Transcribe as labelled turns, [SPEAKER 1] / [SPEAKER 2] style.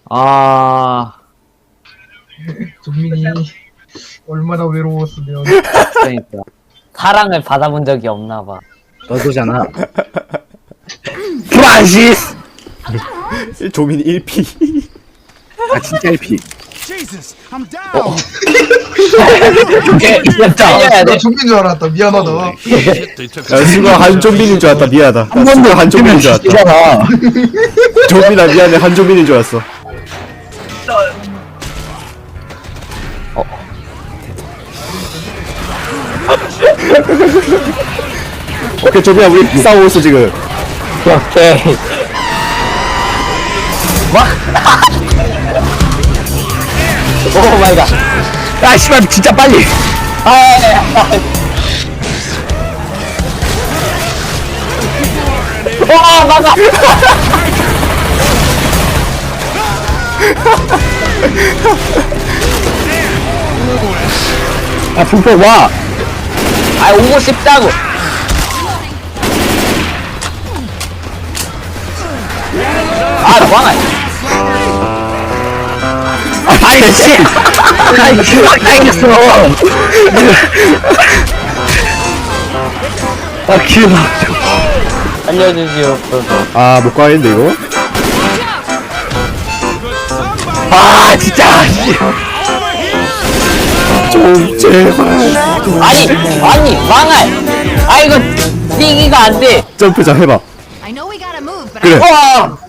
[SPEAKER 1] 아,
[SPEAKER 2] 종민이 얼마나 외로웠으면.
[SPEAKER 1] 그러니까. 사랑을 받아본 적이 없나봐.
[SPEAKER 3] 너도잖아. 프란시스!
[SPEAKER 4] 조민이 1피.
[SPEAKER 3] 아, 진짜 1피.
[SPEAKER 5] Jesus, I'm down.
[SPEAKER 3] 오케이, 진짜.
[SPEAKER 1] 살려야
[SPEAKER 2] 나
[SPEAKER 1] 돼.
[SPEAKER 2] 종민 줄 알았다. 미안하다.
[SPEAKER 4] 야, 수가 한조민인 줄 알았다. 미안하다.
[SPEAKER 3] 한 번도
[SPEAKER 4] 한조민인 줄 알았다.
[SPEAKER 3] 죽이잖아.
[SPEAKER 4] 조민아 미안해. 한조민인 줄 알았어. 오케이 조민아 우리 싸우고 있어 지금.
[SPEAKER 3] 오케이.
[SPEAKER 1] 오 마이 갓.
[SPEAKER 3] 아, 씨발, 진짜 빨리.
[SPEAKER 1] 와, 막아.
[SPEAKER 3] 아, 불법 와.
[SPEAKER 1] 아, 오고 싶다고. 아, 왕아.
[SPEAKER 3] 아이, 씨. 아이, 그만 당겼어. 아, 기분
[SPEAKER 1] 알려주시옵소서.
[SPEAKER 4] 아 못 가겠는데 이거?
[SPEAKER 3] 아, 진짜. 씨.
[SPEAKER 4] 좀 제발.
[SPEAKER 1] 아니, 망할. 아, 이거, 뛰기가 안 돼.
[SPEAKER 4] 점프 좀 해봐.
[SPEAKER 6] I know we gotta move, but
[SPEAKER 4] 그래.
[SPEAKER 1] 와!